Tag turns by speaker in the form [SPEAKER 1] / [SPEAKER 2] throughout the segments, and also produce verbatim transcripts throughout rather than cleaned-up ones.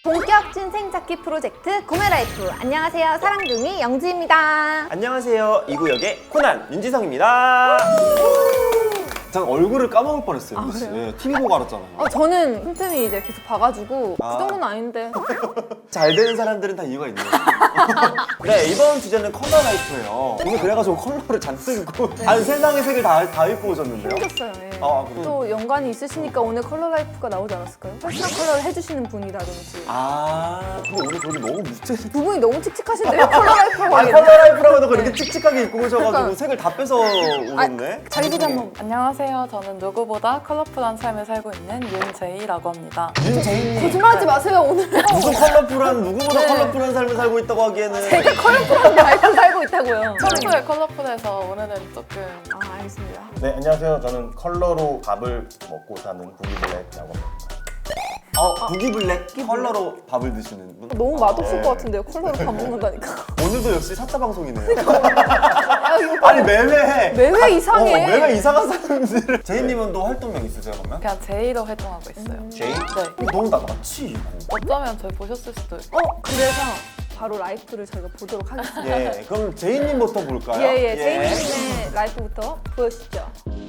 [SPEAKER 1] 본격 찐생 찾기 프로젝트 구매라이프. 안녕하세요, 사랑둥이 영지입니다.
[SPEAKER 2] 안녕하세요, 이 구역의 코난 윤지성입니다. 전 얼굴을 까먹을 뻔했어요.
[SPEAKER 1] 아, 그래요?
[SPEAKER 2] 예, 티비 보고 알았잖아요.
[SPEAKER 1] 어, 저는 틈틈이 이제 계속 봐가지고
[SPEAKER 2] 아.
[SPEAKER 1] 그 정도는 아닌데.
[SPEAKER 2] 잘 되는 사람들은 다 이유가 있네요. 네, 이번 주제는 컬러 라이프예요. 오늘 그래가지고 컬러를 잔뜩 입고 한 세상의 색을 다, 다 입고 오셨는데요.
[SPEAKER 1] 힘들었어요. 예.
[SPEAKER 2] 아, 그래요?
[SPEAKER 1] 또 연관이 있으시니까 오늘 컬러 라이프가 나오지 않았을까요? 퍼스널 컬러를 해주시는 분이라든지.
[SPEAKER 2] 아, 근데 오늘 저기 너무 무채.
[SPEAKER 1] 두 분이 너무 칙칙하신데요? 컬러 라이프라고
[SPEAKER 2] 아,
[SPEAKER 1] 하기에는.
[SPEAKER 2] 컬러 라이프라고 해놓고 이렇게
[SPEAKER 1] 네.
[SPEAKER 2] 칙칙하게 입고 오셔가지고
[SPEAKER 1] 그러니까.
[SPEAKER 2] 색을 다 뺏어 오셨네.
[SPEAKER 1] 자기소개 한번.
[SPEAKER 3] 안녕하세요. 저는 누구보다 컬러풀한 삶을 살고 있는 윤제이라고 합니다.
[SPEAKER 2] 윤재인님.
[SPEAKER 1] 거짓말하지 마세요, 오늘.
[SPEAKER 2] 무슨 컬러풀한, 누구보다
[SPEAKER 1] 네.
[SPEAKER 2] 컬러풀한 삶을 살고 있다고 하기에는.
[SPEAKER 1] 제가 컬러풀한 라이프 살고 있다고요.
[SPEAKER 3] 평소에 컬러풀해서 오늘은 조금
[SPEAKER 1] 아, 알겠습니다.
[SPEAKER 4] 네, 안녕하세요. 저는 컬러로 밥을 먹고 사는 구기블랙이라고 합니다.
[SPEAKER 2] 어, 부기블랙 컬러로 밥을 드시는 분?
[SPEAKER 1] 너무 맛없을
[SPEAKER 4] 네.
[SPEAKER 1] 것 같은데요, 컬러로 밥 먹는다니까.
[SPEAKER 2] 오늘도 역시 사자 방송이네요.
[SPEAKER 1] 아, 이거
[SPEAKER 2] 아니 매회
[SPEAKER 1] 매회 이상해.
[SPEAKER 2] 어, 매회 이상한 사람들. 제이님은 또 활동명 있으세요 그러면?
[SPEAKER 3] 그냥 제이로 활동하고 있어요.
[SPEAKER 2] 제이?
[SPEAKER 3] 네.
[SPEAKER 2] 너무 다 같이 이거.
[SPEAKER 3] 어쩌면 저희 보셨을 수도 있고.
[SPEAKER 1] 어, 그래서 바로 라이프를 저희가 보도록 하겠습니다.
[SPEAKER 2] 예, 그럼 제이님부터 볼까요?
[SPEAKER 1] 예, 예, 제이님의 라이프부터 보여주시죠.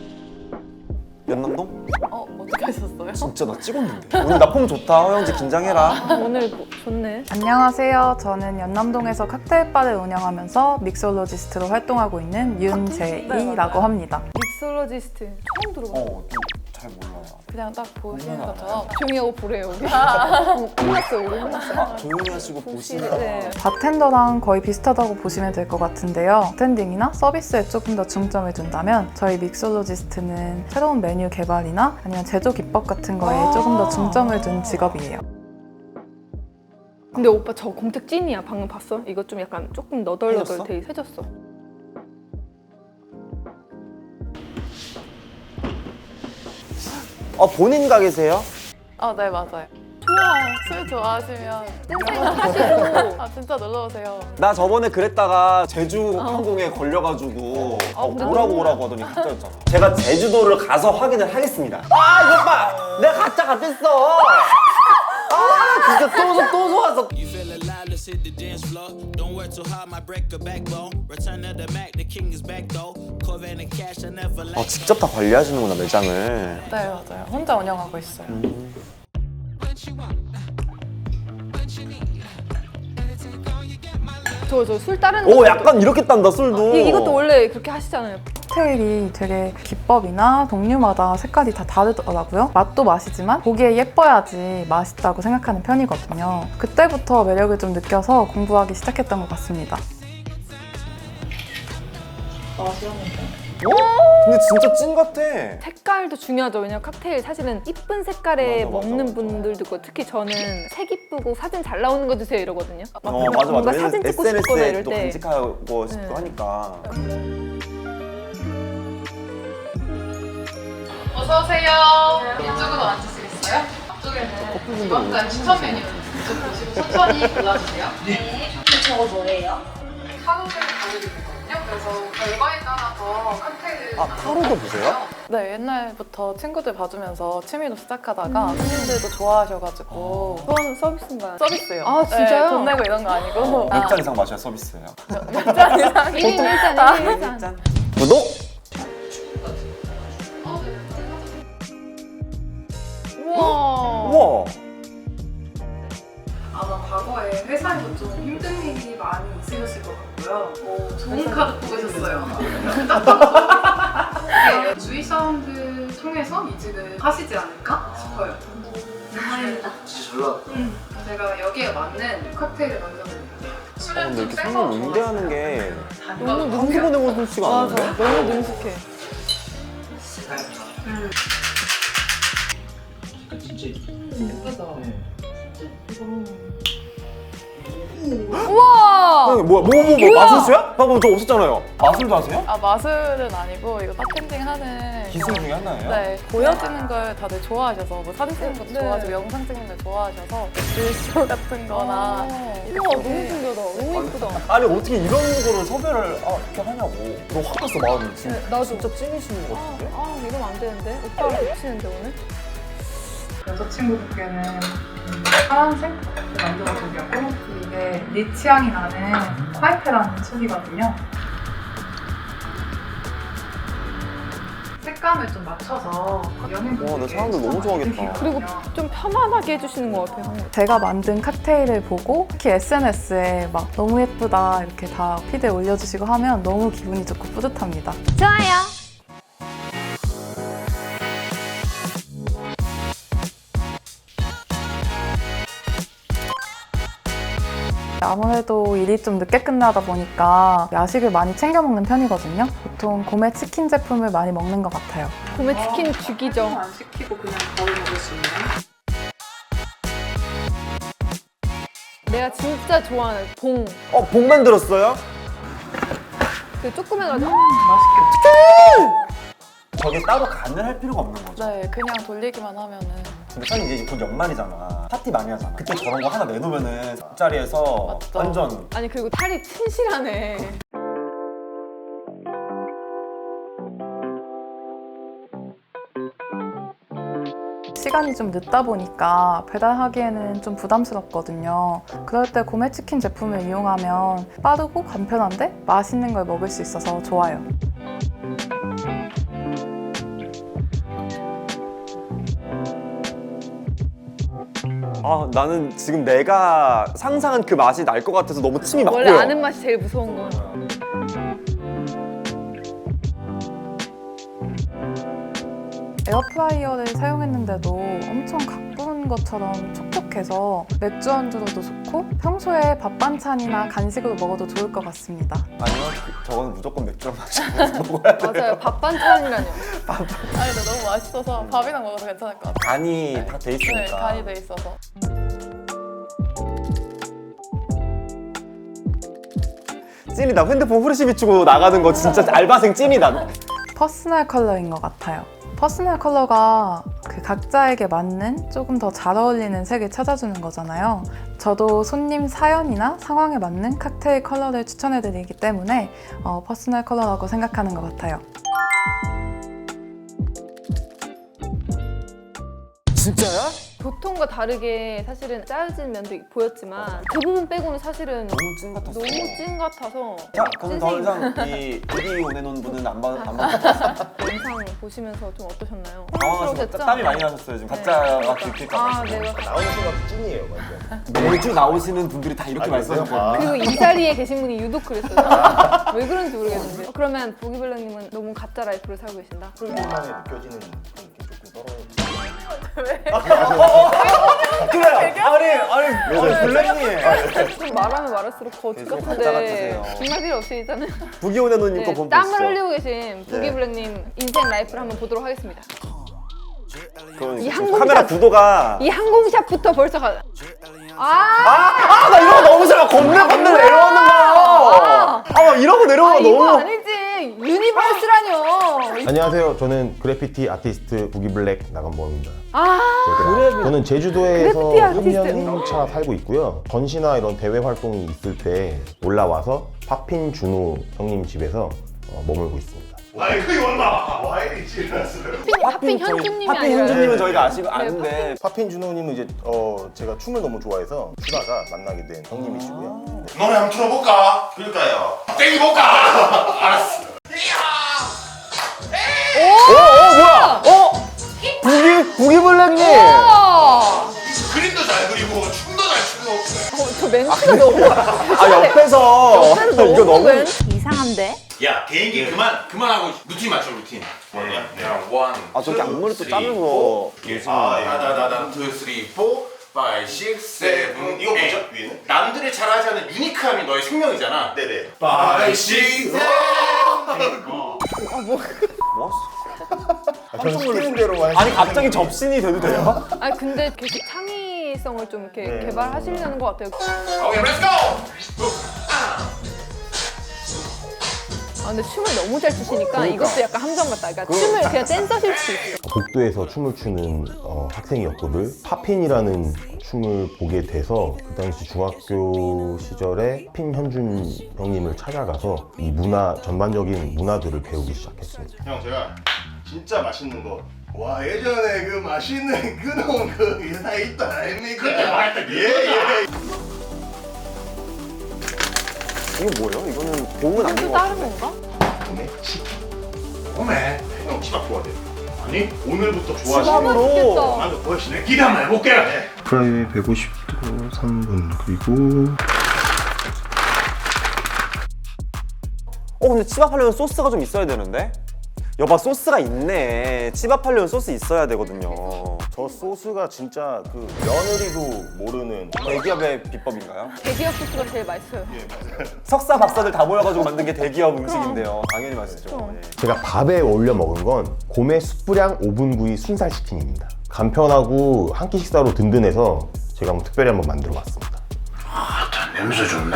[SPEAKER 2] 연남동?
[SPEAKER 3] 어, 어떻게 하셨어요?
[SPEAKER 2] 진짜 나 찍었는데. 오늘 나 폼 좋다. 허영지 긴장해라.
[SPEAKER 1] 오늘 뭐, 좋네.
[SPEAKER 3] 안녕하세요. 저는 연남동에서 칵테일바를 운영하면서 믹솔로지스트로 활동하고 있는 윤제이라고 합니다.
[SPEAKER 1] 믹솔로지스트 처음 들어봤어요.
[SPEAKER 2] 어, 잘 몰라요.
[SPEAKER 3] 그냥 딱 보시는 것처럼
[SPEAKER 1] 조용히 하고 보래요, 우리. 어, 끝났어요, 우리 끝났어요.
[SPEAKER 2] 아, 조용히 하시고 보시면.
[SPEAKER 1] 네.
[SPEAKER 3] 바텐더랑 거의 비슷하다고 보시면 될 것 같은데요. 바텐딩이나 서비스에 조금 더 중점을 둔다면 저희 믹솔로지스트는 새로운 메뉴 개발이나 아니면 제조 기법 같은 거에 조금 더 중점을 둔 직업이에요.
[SPEAKER 1] 근데 오빠 저 공책 찐이야. 방금 봤어? 이거 좀 약간 조금 너덜너덜
[SPEAKER 2] 해졌어?
[SPEAKER 1] 돼 해졌어.
[SPEAKER 2] 어, 본인 가게세요?
[SPEAKER 3] 아, 네, 맞아요.
[SPEAKER 1] 좋아.
[SPEAKER 3] 술 좋아하시면
[SPEAKER 1] 뜬생은 하시고.
[SPEAKER 3] 아, 진짜 놀러 오세요.
[SPEAKER 2] 나 저번에 그랬다가 제주 항공에 걸려가지고
[SPEAKER 1] 아,
[SPEAKER 2] 어,
[SPEAKER 1] 근데
[SPEAKER 2] 오라고
[SPEAKER 1] 너무-
[SPEAKER 2] 오라고 하더니 가짜였잖아. 제가 제주도를 가서 확인을 하겠습니다. 아 이것 봐! 내가 가짜가 됐어! 아 진짜 또, 또 좋았어.
[SPEAKER 5] You feel alive, let's hit the dance floor. Don't work too hard, my break a backbone. Return of the Mac, the king is back though. Corvette and cash, I never
[SPEAKER 2] 어,
[SPEAKER 5] like.
[SPEAKER 2] 직접 다 관리하시는구나 매장을.
[SPEAKER 3] 네, 맞아요. 혼자 운영하고 있어요.
[SPEAKER 1] 저 저 술 따르는
[SPEAKER 2] 오
[SPEAKER 1] 것도-
[SPEAKER 2] 약간 이렇게 딴다 술도.
[SPEAKER 1] 이, 이것도 원래 그렇게 하시잖아요.
[SPEAKER 3] 칵테일이 되게 기법이나 종류마다 색깔이 다 다르더라고요. 맛도 맛이지만 보기에 예뻐야지 맛있다고 생각하는 편이거든요. 그때부터 매력을 좀 느껴서 공부하기 시작했던 것 같습니다.
[SPEAKER 2] 근데 진짜 찐 같아.
[SPEAKER 1] 색깔도 중요하죠. 왜냐면 칵테일 사실은 이쁜 색깔에
[SPEAKER 2] 맞아, 맞아,
[SPEAKER 1] 먹는
[SPEAKER 2] 맞아.
[SPEAKER 1] 분들도 있고, 특히 저는 색 이쁘고 사진 잘 나오는 거 주세요 이러거든요. 막
[SPEAKER 2] 어 맞아 맞아.
[SPEAKER 1] 뭔가
[SPEAKER 2] 왜냐면
[SPEAKER 1] 사진 찍고 싶거나
[SPEAKER 2] 에스엔에스에
[SPEAKER 1] 이럴
[SPEAKER 2] 또
[SPEAKER 1] 때.
[SPEAKER 2] 간직하고 싶고
[SPEAKER 1] 네.
[SPEAKER 2] 하니까.
[SPEAKER 6] 어서오세요. 이쪽으로 앉으시겠어요? 앞쪽에는 이번간 추천 메뉴 좀 보시고 천천히 골라주세요. 네.
[SPEAKER 7] 저거 뭐예요?
[SPEAKER 6] 타로를 보여드리거든요. 그래서 결과에 따라서 칵테일을
[SPEAKER 2] 아 타로도 보세요?
[SPEAKER 3] 네, 옛날부터 친구들 봐주면서 취미로 시작하다가 손님들도 좋아하셔가지고
[SPEAKER 1] 그건 서비스인가요?
[SPEAKER 3] 서비스요.
[SPEAKER 1] 아, 진짜요?
[SPEAKER 3] 네, 돈 내고 이런 거 아니고
[SPEAKER 2] 몇 잔 이상 마셔야 서비스예요.
[SPEAKER 3] 몇 잔 이상.
[SPEAKER 1] 일 인 일 잔, 일 인 일 잔.
[SPEAKER 2] 구독!
[SPEAKER 1] 우와.
[SPEAKER 2] 우와.
[SPEAKER 6] 아마 과거에 회사에서 좀 힘든 일이 많이 있으셨을 것 같고요. 오, 좋은 카드 뽑으셨어요. 네, 주위 사람들 통해서 이직을 하시지 않을까 싶어요.
[SPEAKER 7] 다행이다.
[SPEAKER 6] 음, 제가 여기에 맞는 칵테일을 만들어드릴게요.
[SPEAKER 2] 어,
[SPEAKER 6] 술은
[SPEAKER 2] 근데
[SPEAKER 6] 좀
[SPEAKER 2] 이렇게
[SPEAKER 6] 빼서
[SPEAKER 2] 손님 응대하는 게
[SPEAKER 6] 너무
[SPEAKER 2] 한두 번 해보는 수가
[SPEAKER 1] 맞아.
[SPEAKER 2] 아닌데?
[SPEAKER 1] 너무 능숙해. 우와.
[SPEAKER 2] 어, 뭐야, 뭐, 뭐, 뭐,
[SPEAKER 1] 뭐야?
[SPEAKER 2] 마술수야? 방금 저 없었잖아요. 마술도 하세요?
[SPEAKER 3] 아, 마술은 아니고 이거 바텐딩 하는
[SPEAKER 2] 기술 중에 하나예요?
[SPEAKER 3] 네, 보여지는 걸 다들 좋아하셔서 뭐 사진 찍는 것도
[SPEAKER 1] 네.
[SPEAKER 3] 좋아하시고 영상 찍는 걸 좋아하셔서 일쇼 같은 거나
[SPEAKER 1] 우와, 너무 신기하다. 너무 예쁘다.
[SPEAKER 2] 아니, 어떻게 이런 거를 섭외를 아, 이렇게 하냐고. 너 확 갔어, 마음이. 지금.
[SPEAKER 1] 네, 나도.
[SPEAKER 2] 진짜 찐이시는 것
[SPEAKER 1] 아,
[SPEAKER 2] 같은데?
[SPEAKER 1] 아, 이러면 안 되는데? 오빠랑 겹치는데, 오늘?
[SPEAKER 3] 여자친구분께는 음, 파란색 만들어 주려고 이게 리치 향이 나는 화이트라는 촉이거든요. 색감을 좀 맞춰서 연인분들께
[SPEAKER 2] 와, 나 사람들 너무 좋아하겠다.
[SPEAKER 1] 그리고 좀 편안하게 해주시는 것 같아요.
[SPEAKER 3] 제가 만든 칵테일을 보고 특히 에스엔에스에 막 너무 예쁘다 이렇게 다 피드에 올려주시고 하면 너무 기분이 좋고 뿌듯합니다.
[SPEAKER 1] 좋아요.
[SPEAKER 3] 아무래도 일이 좀 늦게 끝나다 보니까 야식을 많이 챙겨 먹는 편이거든요. 보통 고메 치킨 제품을 많이 먹는 것 같아요.
[SPEAKER 1] 고메 치킨 죽이죠.
[SPEAKER 3] 안 시키고 그냥 바로 먹을 수 있는.
[SPEAKER 1] 내가 진짜 좋아하는 봉.
[SPEAKER 2] 어, 복 만들었어요?
[SPEAKER 1] 그 조그매가지고.
[SPEAKER 2] 저게 따로 간을 할 필요가 없는 거죠.
[SPEAKER 3] 네, 그냥 돌리기만 하면은.
[SPEAKER 2] 근데 사실 이제 곧 연말이잖아. 파티 많이 하잖아. 그때 저런 거 하나 내놓으면은 술자리에서
[SPEAKER 3] 맞죠.
[SPEAKER 2] 완전
[SPEAKER 1] 아니 그리고 탈이 튼실하네.
[SPEAKER 3] 시간이 좀 늦다 보니까 배달하기에는 좀 부담스럽거든요. 그럴 때 고메 치킨 제품을 이용하면 빠르고 간편한데 맛있는 걸 먹을 수 있어서 좋아요.
[SPEAKER 2] 아, 나는 지금 내가 상상한 그 맛이 날 것 같아서 너무 침이 막
[SPEAKER 1] 원래
[SPEAKER 2] 고여.
[SPEAKER 1] 아는 맛이 제일 무서운 거.
[SPEAKER 3] 에어프라이어를 사용했는데도 엄청 가꾼 것처럼 촉촉해서 맥주 안주로도 좋고 평소에 밥 반찬이나 간식으로 먹어도 좋을 것 같습니다.
[SPEAKER 2] 아니요, 그, 저거는 무조건 맥주랑 마시고 먹어야 돼.
[SPEAKER 1] 맞아요. 밥 반찬이라뇨.
[SPEAKER 3] 아니 근데 너무 맛있어서 밥이랑 먹어도 괜찮을 것 같아요.
[SPEAKER 2] 간이 다 돼 있으니까.
[SPEAKER 3] 네, 간이 돼 있어서.
[SPEAKER 2] 찐이다. 핸드폰 후레쉬 비추고 나가는 거 진짜 알바생 찐이다.
[SPEAKER 3] 퍼스널 컬러인 것 같아요. 퍼스널 컬러가 그 각자에게 맞는 조금 더 잘 어울리는 색을 찾아주는 거잖아요. 저도 손님 사연이나 상황에 맞는 칵테일 컬러를 추천해드리기 때문에 어, 퍼스널 컬러라고 생각하는 것 같아요.
[SPEAKER 2] 진짜야?
[SPEAKER 1] 보통과 다르게 사실은 짜여진 면도 보였지만 그 부분 빼고는 사실은
[SPEAKER 2] 너무 찐 같았어.
[SPEAKER 1] 너무 찐 같아서.
[SPEAKER 2] 자, 그럼 더
[SPEAKER 1] 찐생이.
[SPEAKER 2] 이상 이 비디 보내놓은 분은 안 받, 안 받겠어.
[SPEAKER 1] 영상 보시면서 좀 어떠셨나요?
[SPEAKER 2] 당황하셔서
[SPEAKER 1] 혼란스러우셨죠?
[SPEAKER 2] 땀이 많이 나셨어요. 지금
[SPEAKER 1] 네.
[SPEAKER 2] 가짜가 들킬까 봐.
[SPEAKER 1] 아, 내가
[SPEAKER 4] 나오는 순간 찐이에요, 완전.
[SPEAKER 2] 매주 나오시는 분들이 다 이렇게
[SPEAKER 4] 아,
[SPEAKER 2] 말씀하셨거든요.
[SPEAKER 4] 그래요?
[SPEAKER 1] 그리고 이 자리에 계신 분이 유독 그랬어요. 왜 그런지 모르겠는데. 어, 그러면 보기블랙님은 너무 가짜 라이프를 살고 계신다?
[SPEAKER 4] 풀만에 느껴지는 그런 게 조금 떨어져.
[SPEAKER 2] 그래! 아니, 아니, 아니, 블랙님.
[SPEAKER 1] 좀 말하면 말할수록 거짓
[SPEAKER 2] 계속
[SPEAKER 1] 같은데
[SPEAKER 2] 가짜 같으세요.
[SPEAKER 1] 정말 필요 없이 있잖아요.
[SPEAKER 2] 부기호네노님 거
[SPEAKER 1] 네,
[SPEAKER 2] 보면
[SPEAKER 1] 땀을
[SPEAKER 2] 보시죠.
[SPEAKER 1] 흘리고 계신 부기블랙님 인생 라이프를 한번 보도록 하겠습니다.
[SPEAKER 2] 그러니까
[SPEAKER 1] 이
[SPEAKER 2] 지금
[SPEAKER 1] 항공샷.
[SPEAKER 2] 카메라 구도가
[SPEAKER 1] 이 항공샷부터 벌써 가. 아,
[SPEAKER 2] 아, 나 이런 거 너무 싫어. 건들 건들 내려오는 거야. 아, 막 이러고 내려오는
[SPEAKER 1] 아
[SPEAKER 2] 거
[SPEAKER 1] 이거
[SPEAKER 2] 너무.
[SPEAKER 1] 아니지. 유니버스라뇨.
[SPEAKER 4] 안녕하세요. 저는 그래피티 아티스트 부기블랙 나간범입니다.
[SPEAKER 1] 아,
[SPEAKER 4] 제가 저는 제주도에서
[SPEAKER 1] 그래피티 아티스트.
[SPEAKER 4] 삼 년 차 살고 있고요. 전시나 이런 대회 활동이 있을 때 올라와서 파핀 준호 형님 집에서 어, 머물고 있습니다.
[SPEAKER 8] 아이 그게 얼마 와 이리 지났어요.
[SPEAKER 1] 하핀
[SPEAKER 2] 저희-
[SPEAKER 1] 현주님이
[SPEAKER 2] 하핀
[SPEAKER 1] 아니라.
[SPEAKER 2] 현주님은
[SPEAKER 1] 네.
[SPEAKER 2] 저희가 아시, 아는데.
[SPEAKER 4] 파핀 준호님은 이제 어, 제가 춤을 너무 좋아해서 추다가 만나게 된 형님이시고요. 네.
[SPEAKER 8] 노래 한번 틀어볼까? 그럴까요? 땡겨볼까? 알았어.
[SPEAKER 2] 어, 어, 뭐야? 어? 부기, 부기블랙님!
[SPEAKER 1] 어,
[SPEAKER 8] 그림도 잘 그리고 춤도 잘 추고.
[SPEAKER 1] 저 멘트가 너무.
[SPEAKER 2] 아, 옆에서. 이거 너무.
[SPEAKER 1] 멘트 이상한데?
[SPEAKER 8] 야 개인기 그만 그만하고 루틴 맞춰 루틴. 뭐냐? 그냥 원.
[SPEAKER 2] 아, 저렇게 앞머리 또 짜면서.
[SPEAKER 8] 아, 다다다다 투 쓰리 포 파이 식스 세븐 이거 뭐죠? 위에는? 남들이 잘하지 않는 유니크함이 너의 생명이잖아. 네네. 파이 식스
[SPEAKER 2] 뭐?
[SPEAKER 4] 아, 저는 시키는 대로만
[SPEAKER 2] 아니, 갑자기 접신이 돼도 돼요?
[SPEAKER 1] 아 근데 계속 창의성을 좀 이렇게
[SPEAKER 4] 네.
[SPEAKER 1] 개발하시려는 것 같아요.
[SPEAKER 8] 오케이 렛츠고.
[SPEAKER 1] 아 근데 춤을 너무 잘 추시니까 이것도 약간 함정 같다. 그러니까 춤을 그냥 댄서실 수 있어.
[SPEAKER 4] 복도에서 춤을 추는 어, 학생이었거든. 팝핀이라는 춤을 보게 돼서 그 당시 중학교 시절에 핀 현준 형님을 찾아가서 이 문화 전반적인 문화들을 배우기 시작했습니다.
[SPEAKER 8] 형 제가
[SPEAKER 9] 진짜 맛있는 거. 와 예전에 그 맛있는 그놈 그 회사 있다 아닙니까? 그때 맛있다. 예예.
[SPEAKER 2] 이거 뭐예요? 이거는 공은 아닌
[SPEAKER 1] 또
[SPEAKER 2] 것
[SPEAKER 1] 다른
[SPEAKER 2] 같은데.
[SPEAKER 1] 건가?
[SPEAKER 9] 오메 치킨. 오메 형 치밥 좋아해. 아니 오늘부터 좋아하시네.
[SPEAKER 2] 치밥으로.
[SPEAKER 9] 나도 보여주네. 기대 한번 해볼게요. 프라이에 백오십 도 삼 분 그리고.
[SPEAKER 2] 어 근데 치밥하려면 소스가 좀 있어야 되는데? 여봐 소스가 있네. 치밥하려면 소스 있어야 되거든요.
[SPEAKER 4] 저 소스가 진짜 그 며느리도 모르는
[SPEAKER 2] 대기업의 비법인가요?
[SPEAKER 1] 대기업 소스가 제일 맛있어요.
[SPEAKER 2] 석사 박사들 다 모여가지고 만든 게 대기업 음식인데요. 당연히 맛있죠.
[SPEAKER 1] 그럼.
[SPEAKER 2] 예.
[SPEAKER 4] 제가 밥에 올려 먹은 건 곰의 숯불향 오븐 구이 순살 치킨입니다. 간편하고 한 끼 식사로 든든해서 제가 한번 특별히 한번 만들어 봤습니다.
[SPEAKER 8] 냄새 좋네.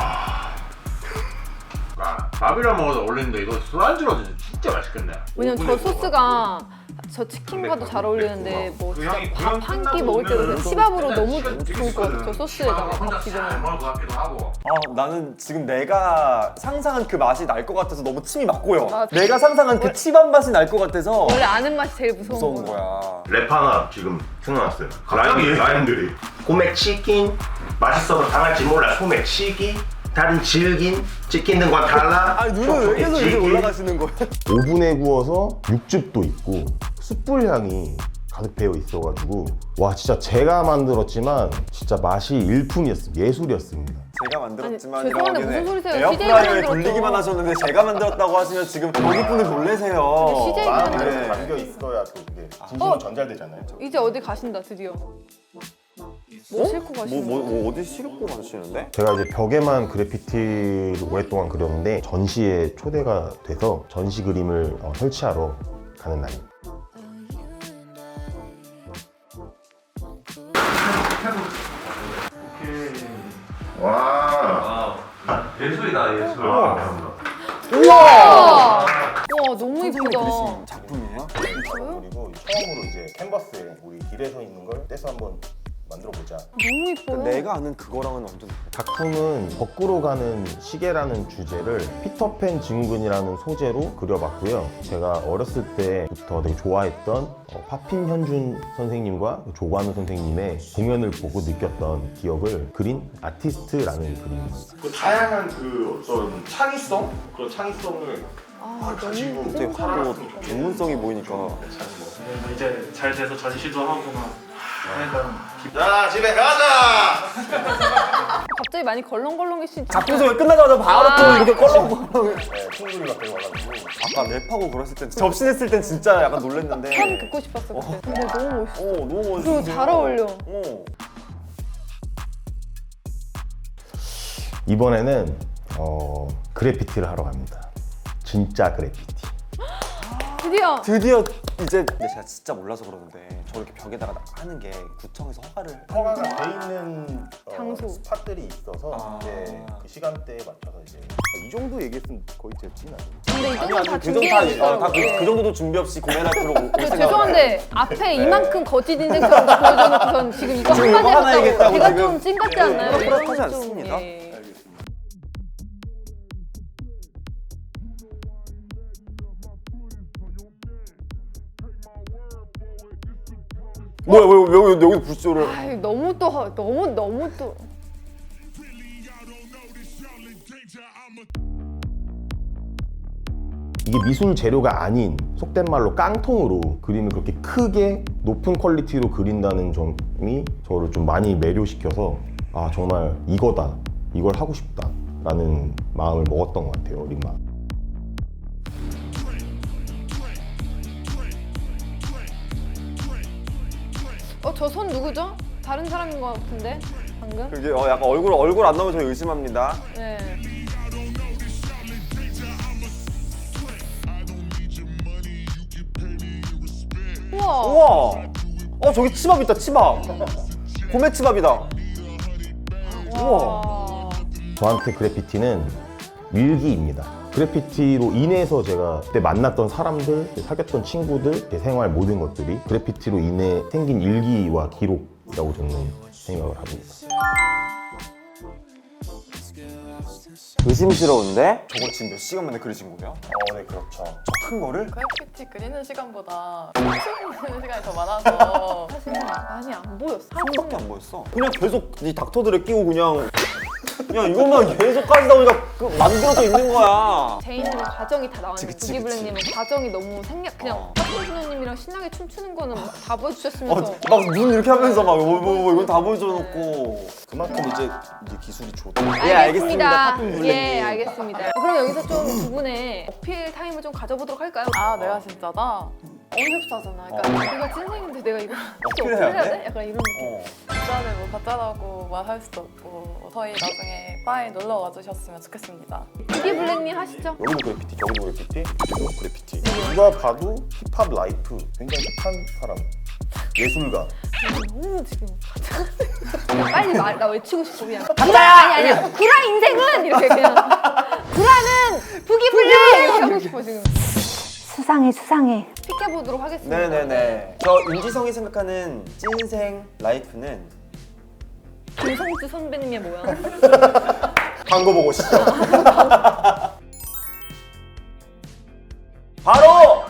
[SPEAKER 8] 아, 밥이랑 먹어도 어울리는데 이거 술안주로 진짜 맛있겠네.
[SPEAKER 1] 왜냐면 저 소스가 저 치킨과도 잘 어울리는데 뭐 진짜 밥 한 끼 먹을 때도 그냥 치밥으로 너무 좋을 것 같아요. 저 소스에다가 밥 비벼 먹으면.
[SPEAKER 8] 먹을 것 같기도 하고.
[SPEAKER 2] 아 나는 지금 내가 상상한 그 맛이 날 것 같아서 너무 침이 막 고여.
[SPEAKER 1] 맞아.
[SPEAKER 2] 내가 상상한 그 치밥 맛이 날 것 같아서
[SPEAKER 1] 원래 아는 맛이 제일 무서운,
[SPEAKER 2] 무서운
[SPEAKER 1] 거야.
[SPEAKER 2] 거야.
[SPEAKER 9] 랩 하나 지금 생각났어요. 라인, 라인들이 소맥 치킨 맛있어서 당할지 몰라 소맥 치기 다른 질긴 치킨 등과 달라.
[SPEAKER 2] 아니 눈은 왜 계속 이렇게 올라가시는 거예요?
[SPEAKER 4] 오븐에 구워서 육즙도 있고 숯불 향이 가득 배어 있어가지고 와 진짜 제가 만들었지만 진짜 맛이 일품이었습니다. 예술이었습니다.
[SPEAKER 2] 제가 만들었지만
[SPEAKER 1] 아니, 죄송한데 무슨 소리세요?
[SPEAKER 2] 에어프라이어에
[SPEAKER 1] 씨제이가
[SPEAKER 2] 돌리기만 하셨는데 제가 만들었다고 하시면 지금 여기 분들 놀래세요.
[SPEAKER 1] 씨제이가
[SPEAKER 4] 마음이
[SPEAKER 1] 만들었어요.
[SPEAKER 4] 그래서 담겨 있어야 또 그게 진심으로
[SPEAKER 1] 어?
[SPEAKER 4] 전달되잖아요.
[SPEAKER 1] 이제 어디 가신다 드디어. 뭐 싣고
[SPEAKER 2] 뭐,
[SPEAKER 1] 가시는
[SPEAKER 2] 뭐,
[SPEAKER 1] 거예요?
[SPEAKER 2] 뭐 어디 싣고 가시는데?
[SPEAKER 4] 제가 이제 벽에만 그래피티를 오랫동안 그렸는데 전시에 초대가 돼서 전시 그림을 어, 설치하러 가는 날입니다.
[SPEAKER 9] 와.
[SPEAKER 8] 예술이다 예술.
[SPEAKER 2] 우와!
[SPEAKER 1] 와 너무
[SPEAKER 2] 선생님이
[SPEAKER 1] 이쁘다.
[SPEAKER 2] 그리신 작품이에요?
[SPEAKER 4] 그리고 처음으로 이제 캔버스에 우리 길에서 있는 걸 떼서 한번 만들어 보자.
[SPEAKER 1] 너무 이뻐요.
[SPEAKER 2] 내가 아는 그거랑은 완전
[SPEAKER 4] 작품은 거꾸로 가는 시계라는 주제를 피터팬 증후군이라는 소재로 그려봤고요. 제가 어렸을 때부터 되게 좋아했던 어, 파핀 현준 선생님과 조관우 선생님의 공연을 보고 느꼈던 기억을 그린 아티스트라는 그림입니다.
[SPEAKER 9] 그 다양한 그 어떤 창의성 그런 창의성을
[SPEAKER 1] 아,
[SPEAKER 9] 가지고
[SPEAKER 1] 너무
[SPEAKER 2] 되게 하도 전문성이 보이니까.
[SPEAKER 10] 이제 잘 돼서 전시도 하고 막 하니까
[SPEAKER 9] 자 집에 가자.
[SPEAKER 1] 갑자기 많이 걸렁걸렁해지지.
[SPEAKER 2] 작품 소개 끝나자마자 바로
[SPEAKER 1] 아.
[SPEAKER 2] 또 이렇게 껄렁껄렁.
[SPEAKER 4] 네, 친구들이 갑자기 와가지고
[SPEAKER 2] 아까 랩하고 그랬을 땐 접신했을 땐 진짜 약간 놀랬는데.
[SPEAKER 1] 참 듣고 싶었어 그때. 근데 너무 멋있어.
[SPEAKER 2] 어 너무 멋있어.
[SPEAKER 1] 그리고 잘 어울려.
[SPEAKER 2] 어.
[SPEAKER 4] 이번에는 어, 그래피티를 하러 갑니다. 진짜 그래피티.
[SPEAKER 1] 드디어.
[SPEAKER 2] 드디어 이제 근데 제가 진짜 몰라서 그러는데 저렇게 벽에다가 하는 게 구청에서 허가를
[SPEAKER 4] 허가가 돼 있는 어,
[SPEAKER 1] 장소.
[SPEAKER 4] 스팟들이 있어서
[SPEAKER 2] 아.
[SPEAKER 4] 이제 그 시간대에 맞춰서 이제 이 정도 얘기했으면 거의 됐지 나.
[SPEAKER 1] 근데 이
[SPEAKER 2] 아니
[SPEAKER 1] 정도
[SPEAKER 2] 아니
[SPEAKER 1] 다
[SPEAKER 2] 그 정도
[SPEAKER 1] 준비해
[SPEAKER 2] 다, 어,
[SPEAKER 1] 주더라고.
[SPEAKER 2] 다 그, 그 정도도 준비 없이 공연할 필요 올
[SPEAKER 1] 근데
[SPEAKER 2] 생각.
[SPEAKER 1] 죄송한데 앞에 이만큼 거짓 인생처럼 보여줘놓고선 지금 이거
[SPEAKER 2] 지금 이거 하나
[SPEAKER 1] 한마디
[SPEAKER 2] 얘기했다고
[SPEAKER 1] 했다고 제가
[SPEAKER 2] 지금.
[SPEAKER 1] 좀 찐같지
[SPEAKER 2] 네,
[SPEAKER 1] 않나요?
[SPEAKER 2] 그렇다지
[SPEAKER 1] 이건 좀,
[SPEAKER 2] 않습니다.
[SPEAKER 1] 예.
[SPEAKER 2] 뭐야 왜 여기 여기 불쇼를?
[SPEAKER 1] 아이, 너무 또 하- 너무 너무 또.
[SPEAKER 4] 이게 미술 재료가 아닌 속된 말로 깡통으로 그림을 그렇게 크게 높은 퀄리티로 그린다는 점이 저를 좀 많이 매료시켜서 아 정말 이거다 이걸 하고 싶다 라는 마음을 먹었던 것 같아요. 어린 마음.
[SPEAKER 1] 어 저 손 누구죠? 다른 사람인 것 같은데 방금.
[SPEAKER 2] 그게 어, 약간 얼굴 얼굴 안 나오면 저 의심합니다.
[SPEAKER 1] 네. 우와.
[SPEAKER 2] 우와. 어 저기 치밥 있다 치밥. 고메 치밥이다. 우와.
[SPEAKER 4] 저한테 그래피티는 일기입니다. 그래피티로 인해서 제가 그때 만났던 사람들, 사귀었던 친구들, 제 생활 모든 것들이 그래피티로 인해 생긴 일기와 기록이라고 저는 생각을 합니다.
[SPEAKER 2] 의심스러운데? 저거 지금 몇 시간 만에 그리신 거예요?
[SPEAKER 4] 어, 네, 그렇죠.
[SPEAKER 2] 저 큰 거를?
[SPEAKER 3] 그래피티 그리는 시간보다 춤추는 시간이 더 많아서
[SPEAKER 1] 사실 많이 안 보였어.
[SPEAKER 2] 한 번밖에 안 보였어. 그냥 계속 이 닥터들을 끼고 그냥 그냥 이것만 계속 하시다 보니까 그 만들어져 있는 거야.
[SPEAKER 1] 제이님은 과정이 다 나왔는데
[SPEAKER 2] 그치, 그치,
[SPEAKER 1] 부기블랙님은 과정이 너무 생략 그냥
[SPEAKER 2] 어.
[SPEAKER 1] 박준호님이랑 신나게 춤추는 거는 다 보여주셨으면서
[SPEAKER 2] 어, 막 눈 이렇게 하면서 막 뭐, 뭐, 뭐, 이건 다 보여줘놓고.
[SPEAKER 4] 그만큼 이제 이제 기술이 좋다.
[SPEAKER 2] 예, 알겠습니다. 팝핀 블랙님.
[SPEAKER 1] 예, 알겠습니다. 그럼 여기서 좀 두 분의 어필 타임을 좀 가져보도록 할까요?
[SPEAKER 3] 아 내가 진짜다? 어이없어 하잖아. 그러니까 내가 찐생인데 내가 이거 진짜
[SPEAKER 2] 어필해야
[SPEAKER 1] 어필해야
[SPEAKER 2] 돼?
[SPEAKER 1] 돼? 약간 이런 느낌.
[SPEAKER 2] 어.
[SPEAKER 3] 진짜를 뭐 가짜라고 말할 수도 없고 저희 나중에 바에 놀러 와주셨으면 좋겠습니다.
[SPEAKER 1] 부기블랙님 하시죠.
[SPEAKER 4] 여기도 그래피티, 저기도 그래피티, 여기도 그래피티. 누가 봐도 힙합 라이프 굉장히 착한 사람. 예술가.
[SPEAKER 1] 너무 지금 그냥 빨리 말, 나 외치고 싶어 그냥 구라! 아니 아니야 구라 인생은! 이렇게 그냥 구라는 부기블랙! 이렇게 하고 싶어 지금.
[SPEAKER 7] 수상해 수상해.
[SPEAKER 1] 픽해보도록 하겠습니다.
[SPEAKER 2] 네네네. 저 윤지성이 생각하는 찐생 라이프는
[SPEAKER 1] 김성주 선배님의 모양.
[SPEAKER 2] 광고 보고 싶죠? 바로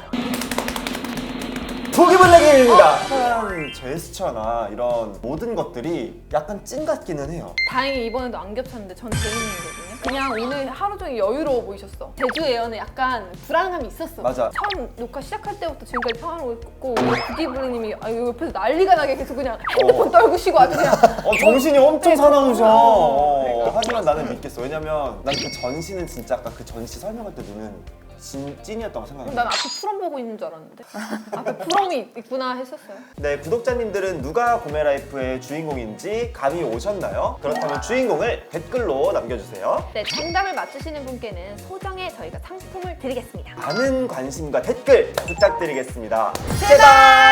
[SPEAKER 2] 부기블랙입니다. 특별한 제스처나 이런 모든 것들이 약간 찐 같기는 해요.
[SPEAKER 1] 다행히 이번에도 안 겹쳤는데 전 재밌는거든요. 그냥 오늘 하루 종일 여유로워 보이셨어. 제주 에어는 약간 불안감이 있었어.
[SPEAKER 2] 맞아.
[SPEAKER 1] 처음 녹화 시작할 때부터 지금까지 평화로웠고 우리 부기블랙님이 아, 옆에서 난리가 나게 계속 그냥 핸드폰 떨구시고 아주 그냥
[SPEAKER 2] 어, 정신이 엄청 사나우셔.
[SPEAKER 1] 어.
[SPEAKER 2] 어, 하지만 나는 믿겠어. 왜냐면 난 그 전시는 진짜 아까 그 전시 설명할 때 눈은 진, 찐이었다고 생각해.
[SPEAKER 1] 난 앞에 프롬 보고 있는 줄 알았는데 앞에 프롬이 있구나 했었어요.
[SPEAKER 2] 네, 구독자님들은 누가 구매라이프의 주인공인지 감이 오셨나요? 그렇다면 주인공을 댓글로 남겨주세요.
[SPEAKER 1] 네, 정답을 맞추시는 분께는 소정의 저희가 상품을 드리겠습니다.
[SPEAKER 2] 많은 관심과 댓글 부탁드리겠습니다. 제발!